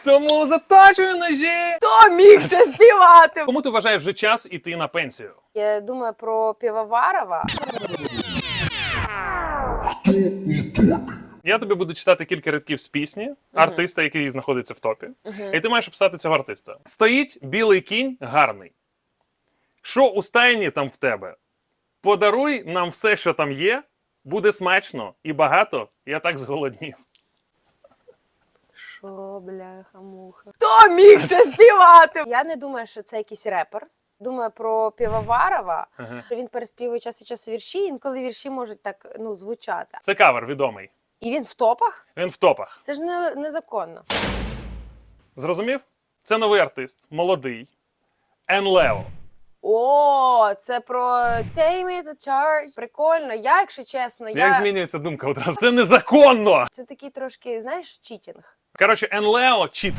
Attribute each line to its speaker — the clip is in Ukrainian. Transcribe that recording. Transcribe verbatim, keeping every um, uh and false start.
Speaker 1: Тому заточую ножі!
Speaker 2: Хто міг це співати?
Speaker 1: Кому ти вважаєш вже час іти на пенсію?
Speaker 2: Я думаю про Півоварова.
Speaker 1: Я тобі буду читати кілька рядків з пісні артиста, який знаходиться в топі. І ти маєш описати цього артиста. Стоїть білий кінь гарний. Що у стайні там в тебе? Подаруй нам все, що там є. Буде смачно і багато. Я так зголоднів.
Speaker 2: Шо, бляха-муха. Хто міг це співати? Я не думаю, що це якийсь репер. Думаю про Півоварова.
Speaker 1: Ага.
Speaker 2: Він переспівує час від часу вірші, інколи вірші можуть так, ну, звучати.
Speaker 1: Це кавер відомий.
Speaker 2: І він в топах?
Speaker 1: Він в топах.
Speaker 2: Це ж не, незаконно.
Speaker 1: Зрозумів? Це новий артист, молодий. Ен Лео.
Speaker 2: О, це про Take me to church. Прикольно. Я, якщо чесно,
Speaker 1: Як
Speaker 2: я...
Speaker 1: змінюється думка одразу? Це незаконно!
Speaker 2: Це такий трошки, знаєш, читінг.
Speaker 1: Коротше, Ен Лео читер.